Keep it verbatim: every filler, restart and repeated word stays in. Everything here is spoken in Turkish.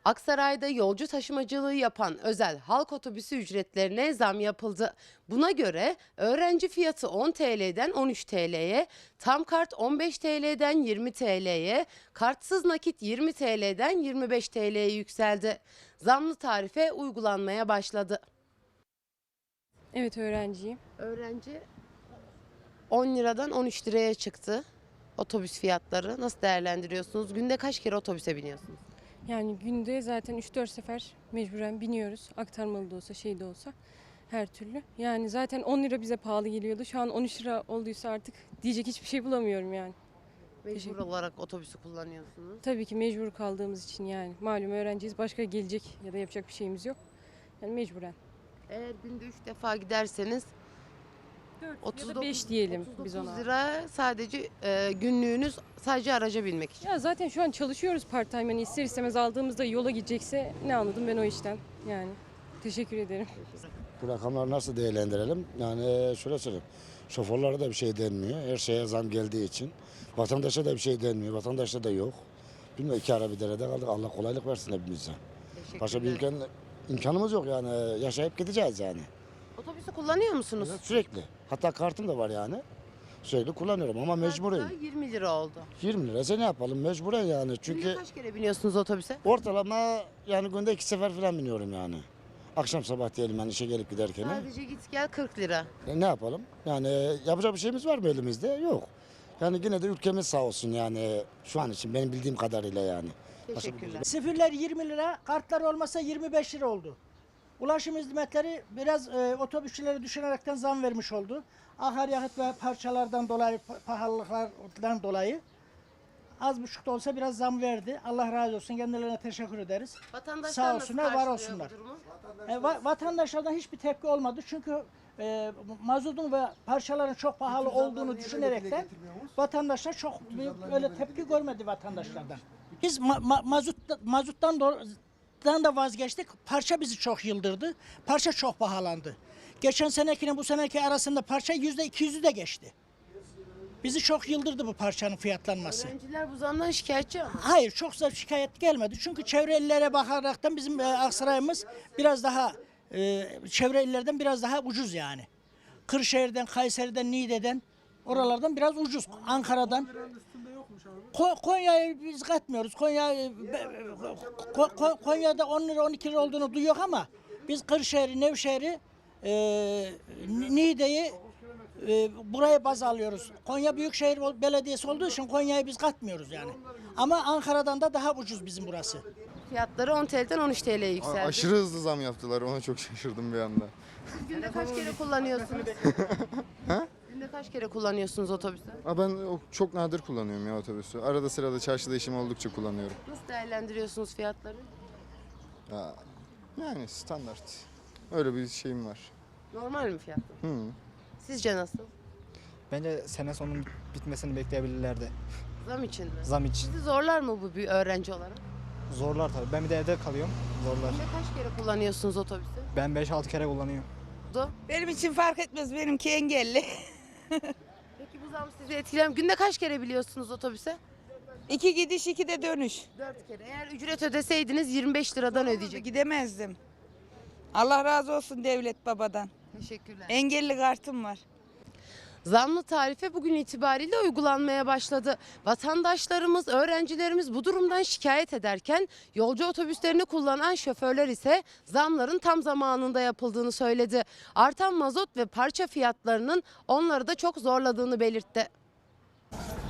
Aksaray'da yolcu taşımacılığı yapan özel halk otobüsü ücretlerine zam yapıldı. Buna göre öğrenci fiyatı on T L'den on üç T L'ye, tam kart on beş T L'den yirmi T L'ye, kartsız nakit yirmi T L'den yirmi beş T L'ye yükseldi. Zamlı tarife uygulanmaya başladı. Evet, öğrenciyim. Öğrenci on liradan on üç liraya çıktı otobüs fiyatları. Nasıl değerlendiriyorsunuz? Günde kaç kere otobüse biniyorsunuz? Yani günde zaten üç dört sefer mecburen biniyoruz. Aktarmalı da olsa şey de olsa her türlü. Yani zaten on lira bize pahalı geliyordu. Şu an on üç lira olduysa artık diyecek hiçbir şey bulamıyorum yani. Mecbur Teşekkür. olarak otobüsü kullanıyorsunuz. Tabii ki mecbur kaldığımız için yani. Malum öğrenciyiz. Başka gelecek ya da yapacak bir şeyimiz yok. Yani mecburen. Eğer günde üç defa giderseniz ya da beş diyelim biz ona. lira sadece e, günlüğünüz sadece araca binmek için. Ya zaten şu an çalışıyoruz part time. Yani ister istemez aldığımızda yola gidecekse ne anladım ben o işten yani. Teşekkür ederim. Bu rakamları nasıl değerlendirelim? Yani şöyle söyleyeyim. Şoförlere de bir şey denmiyor. Her şeye zam geldiği için. Vatandaşa da bir şey denmiyor. Vatandaşta da yok. Bilmiyorum, iki ara bir derede kaldık. Allah kolaylık versin hepimize. Başka bir imkan, imkanımız yok yani. Yaşayıp gideceğiz yani. Otobüsü kullanıyor musunuz? Sürekli. Hatta kartım da var yani. Sürekli kullanıyorum ama mecburen. Kartı yirmi lira oldu. yirmi liraysa ne yapalım? Mecburen yani. Günde Çünkü kaç kere biniyorsunuz otobüse? ortalama yani günde iki sefer falan biniyorum yani. Akşam sabah diyelim yani işe gelip giderken. Sadece git gel kırk lira. E ne yapalım? Yani yapacak bir şeyimiz var mı elimizde? Yok. Yani yine de ülkemiz sağ olsun yani şu an için benim bildiğim kadarıyla yani. Teşekkürler. Sıfırlar yirmi lira, kartlar olmasa yirmi beş lira oldu. Ulaşım hizmetleri biraz e, otobüsçülere düşünerekten zam vermiş oldu. Akaryakıt ve parçalardan dolayı, pa- pahalılıklardan dolayı az buçuk da olsa biraz zam verdi. Allah razı olsun, kendilerine teşekkür ederiz. Vatandaşlar Sağ nasıl olsunlar, var karşılıyor olsunlar. bu durumu? E, va- vatandaşlardan hiçbir tepki olmadı çünkü e, mazotun ve parçaların çok pahalı olduğunu düşünerekten vatandaşlar çok büyük öyle tepki görmedi vatandaşlardan. Biz ma- ma- mazut mazuttan do- dan da vazgeçtik. Parça bizi çok yıldırdı. Parça çok pahalandı. Geçen senekine bu seneki arasında parça yüzde iki yüzü de geçti. Bizi çok yıldırdı bu parçanın fiyatlanması. Öğrenciler bu zamdan şikayetçi ama. Hayır, çok da şikayet gelmedi. Çünkü çevre illere bakaraktan bizim e, Aksaray'ımız biraz daha e, çevre illerden biraz daha ucuz yani. Kırşehir'den, Kayseri'den, Niğde'den oralardan biraz ucuz. Ankara'dan. Ko- Konya'yı biz katmıyoruz. Konya e, Ko- Ko- Konya'da on lira on iki lira olduğunu duyuyor ama biz Kırşehir'i, Nevşehir'i, e, Niğde'yi e, buraya baz alıyoruz. Konya Büyükşehir Belediyesi olduğu için Konya'yı biz katmıyoruz yani. Ama Ankara'dan da daha ucuz bizim burası. Fiyatları on T L'den on üç T L'ye yükseldi. Aşırı hızlı zam yaptılar. Ona çok şaşırdım bir anda. Siz günde kaç kere kullanıyorsunuz? Günde kaç kere kullanıyorsunuz otobüsü? Aa, ben o- çok nadir kullanıyorum ya otobüsü. Arada sırada çarşıda işim oldukça kullanıyorum. Nasıl değerlendiriyorsunuz fiyatları? Ya, yani standart. Öyle bir şeyim var. Normal mi fiyatlar? Hı. Sizce nasıl? Bence sene sonunun bit- bitmesini bekleyebilirlerdi. Zam için mi? Zam için. Sizi zorlar mı bu bir öğrenci olarak? Zorlar tabii. Ben bir de evde kalıyorum. Zorlar. Günde kaç kere kullanıyorsunuz otobüsü? Ben beş altı kere kullanıyorum. Do. Benim için fark etmez. Benimki engelli. Peki bu zam sizi etkiler mi? Günde kaç kere biliyorsunuz otobüse? İki gidiş, iki de dönüş. Dört kere. Eğer ücret ödeseydiniz yirmi beş liradan ödeyecek. Gidemezdim. Allah razı olsun devlet babadan. Teşekkürler. Engelli kartım var. Zamlı tarife bugün itibariyle uygulanmaya başladı. Vatandaşlarımız, öğrencilerimiz bu durumdan şikayet ederken yolcu otobüslerini kullanan şoförler ise zamların tam zamanında yapıldığını söyledi. Artan mazot ve parça fiyatlarının onları da çok zorladığını belirtti.